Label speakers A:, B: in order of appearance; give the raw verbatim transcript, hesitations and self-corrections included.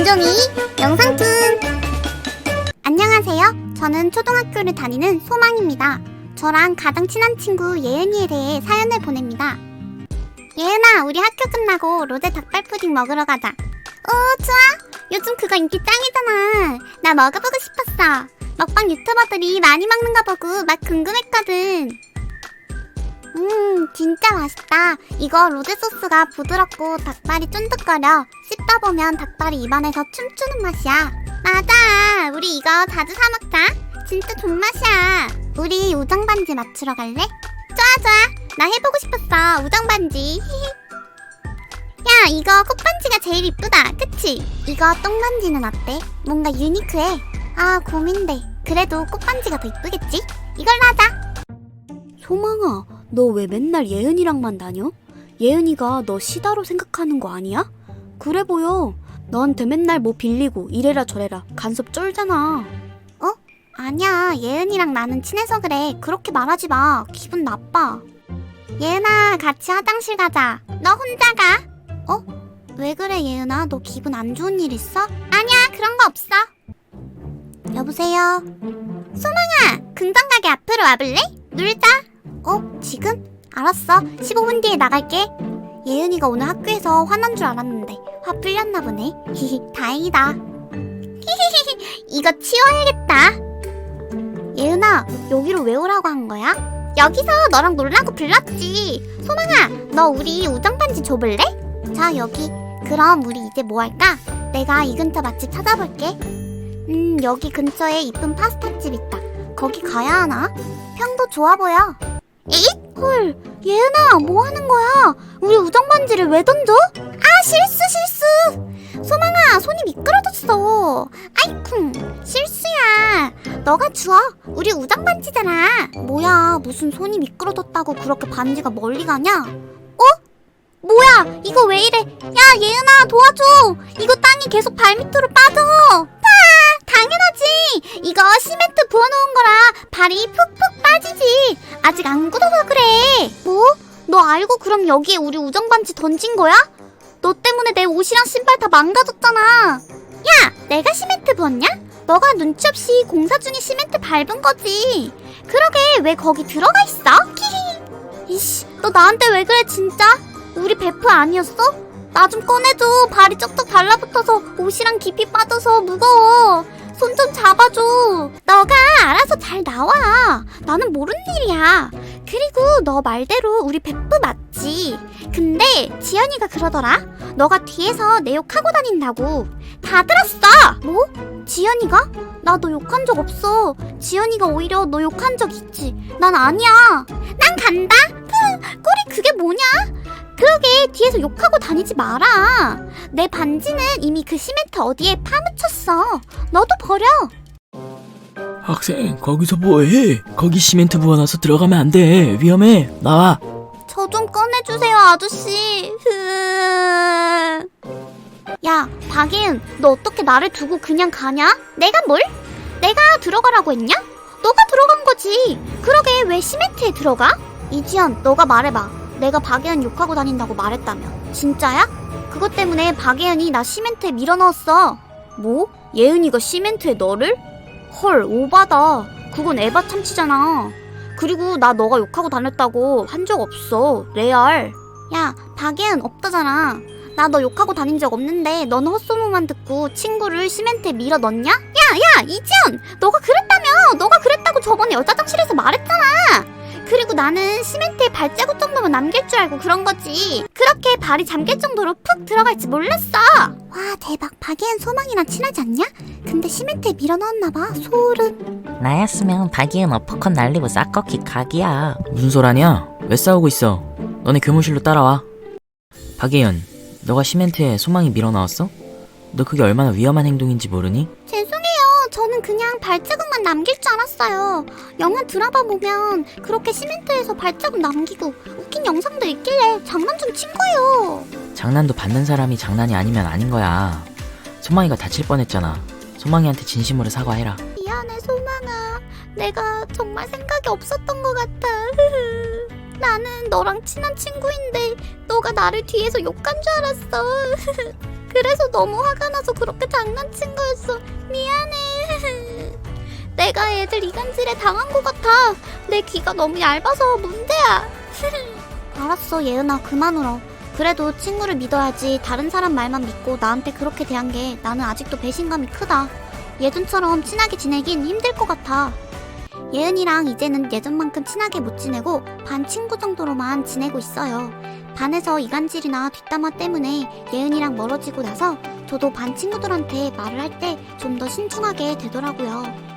A: 김종이 영상툰. 안녕하세요. 저는 초등학교를 다니는 소망입니다. 저랑 가장 친한 친구 예은이에 대해 사연을 보냅니다. 예은아, 우리 학교 끝나고 로제 닭발푸딩 먹으러 가자. 오, 좋아. 요즘 그거 인기 짱이잖아. 나 먹어보고 싶었어. 먹방 유튜버들이 많이 먹는 거 보고 막 궁금했거든. 음, 진짜 맛있다. 이거 로제 소스가 부드럽고 닭발이 쫀득거려. 씹다 보면 닭발이 입안에서 춤추는 맛이야. 맞아. 우리 이거 자주 사 먹자. 진짜 존맛이야. 우리 우정 반지 맞추러 갈래? 좋아 좋아. 나 해보고 싶었어. 우정 반지. 야, 이거 꽃반지가 제일 이쁘다. 그치? 이거 똥반지는 어때? 뭔가 유니크해. 아, 고민돼. 그래도 꽃반지가 더 이쁘겠지? 이걸로 하자.
B: 소망아, 너 왜 맨날 예은이랑만 다녀? 예은이가 너 시다로 생각하는 거 아니야? 그래 보여. 너한테 맨날 뭐 빌리고 이래라 저래라 간섭 쩔잖아.
A: 어? 아니야. 예은이랑 나는 친해서 그래. 그렇게 말하지 마. 기분 나빠. 예은아, 같이 화장실 가자. 너 혼자 가. 어? 왜 그래 예은아? 너 기분 안 좋은 일 있어? 아니야, 그런 거 없어. 여보세요? 소망아, 긍정 가게 앞으로 와볼래? 놀자. 어? 지금? 알았어. 십오 분 뒤에 나갈게. 예은이가 오늘 학교에서 화난 줄 알았는데 화 풀렸나 보네. 히히, 다행이다. 히히히, 이거 치워야겠다. 예은아, 여기로 왜 오라고 한 거야? 여기서 너랑 놀라고 불렀지. 소망아, 너 우리 우정 반지 줘볼래? 자, 여기. 그럼 우리 이제 뭐 할까? 내가 이 근처 맛집 찾아볼게. 음, 여기 근처에 이쁜 파스타집 있다. 거기 가야 하나? 평도 좋아 보여. 에잇? 헐, 예은아, 뭐 하는 거야? 우리 우정 반지를 왜 던져? 아, 실수 실수. 소망아, 손이 미끄러졌어. 아이쿵, 실수야. 너가 주워. 우리 우정 반지잖아. 뭐야, 무슨 손이 미끄러졌다고 그렇게 반지가 멀리 가냐? 어? 뭐야, 이거 왜 이래? 야, 예은아, 도와줘. 이거 땅이 계속 발밑으로 빠져. 아, 당연하지. 이거 시멘트 부어놓은 거라 발이 푹푹 빠지지. 아직 안 굳어서 그래. 뭐? 너 알고 그럼 여기에 우리 우정 반지 던진 거야? 너 때문에 내 옷이랑 신발 다 망가졌잖아. 야, 내가 시멘트 부었냐? 너가 눈치 없이 공사 중에 시멘트 밟은 거지. 그러게, 왜 거기 들어가 있어? 키히. 이씨, 너 나한테 왜 그래 진짜? 우리 베프 아니었어? 나 좀 꺼내줘. 발이 쩍쩍 달라붙어서 옷이랑 깊이 빠져서 무거워. 손 좀 잡아줘. 너가 알아서 잘 나와. 나는 모르는 일이야. 그리고 너 말대로 우리 베프 맞지? 근데 지연이가 그러더라. 너가 뒤에서 내 욕하고 다닌다고. 다 들었어. 뭐? 지연이가? 나 너 욕한 적 없어. 지연이가 오히려 너 욕한 적 있지. 난 아니야. 난 간다. 흐, 꼴이 그게 뭐냐? 그러게, 뒤에서 욕하고 다니지 마라. 내 반지는 이미 그 시멘트 어디에 파묻혔어. 너도 버려.
C: 학생, 거기서 뭐해? 거기 시멘트 부어놔서 들어가면 안 돼. 위험해. 나와.
A: 저 좀 꺼내주세요, 아저씨. 흐... 야, 박예은, 너 어떻게 나를 두고 그냥 가냐? 내가 뭘? 내가 들어가라고 했냐? 너가 들어간 거지. 그러게, 왜 시멘트에 들어가? 이지연, 너가 말해봐. 내가 박예은 욕하고 다닌다고 말했다며. 진짜야? 그것 때문에 박예은이 나 시멘트에 밀어넣었어. 뭐? 예은이가 시멘트에 너를? 헐, 오바다. 그건 에바 참치잖아. 그리고 나 너가 욕하고 다녔다고 한 적 없어. 레알. 야, 박예은 없다잖아. 나 너 욕하고 다닌 적 없는데 넌 헛소문만 듣고 친구를 시멘트에 밀어 넣냐? 야, 야, 이지연! 너가 그랬다며! 너가 그랬다고 저번에 여자장실에서 말했잖아! 그리고 나는 시멘트에 발자국 정도만 남길 줄 알고 그런 거지. 그렇게 발이 잠길 정도로 푹 들어갈지 몰랐어. 와, 대박. 박예은 소망이랑 친하지 않냐? 근데 시멘트에 밀어 넣었나봐. 소름.
D: 나였으면 박이은 어퍼컷 날리고 싹꺾기 각이야.
C: 무슨 소라냐? 왜 싸우고 있어? 너네 교무실로 따라와. 박예연, 너가 시멘트에 소망이 밀어넣었어? 너 그게 얼마나 위험한 행동인지 모르니?
A: 죄송해요. 저는 그냥 발자국만 남길 줄 알았어요. 영화 드라마 보면 그렇게 시멘트에서 발자국 남기고 웃긴 영상도 있길래 장난 좀 친 거예요.
C: 장난도 받는 사람이 장난이 아니면 아닌 거야. 소망이가 다칠 뻔했잖아. 소망이한테 진심으로 사과해라.
A: 미안해, 소망아. 내가 정말 생각이 없었던 것 같아. 나는 너랑 친한 친구인데 너가 나를 뒤에서 욕한 줄 알았어. 그래서 너무 화가 나서 그렇게 장난친 거였어. 미안해. 내가 애들 이간질에 당한 것 같아. 내 귀가 너무 얇아서 문제야. 알았어, 예은아, 그만 울어. 그래도 친구를 믿어야지. 다른 사람 말만 믿고 나한테 그렇게 대한 게 나는 아직도 배신감이 크다. 예전처럼 친하게 지내긴 힘들 것 같아. 예은이랑 이제는 예전만큼 친하게 못 지내고 반 친구 정도로만 지내고 있어요. 반에서 이간질이나 뒷담화 때문에 예은이랑 멀어지고 나서 저도 반 친구들한테 말을 할 때 좀 더 신중하게 되더라고요.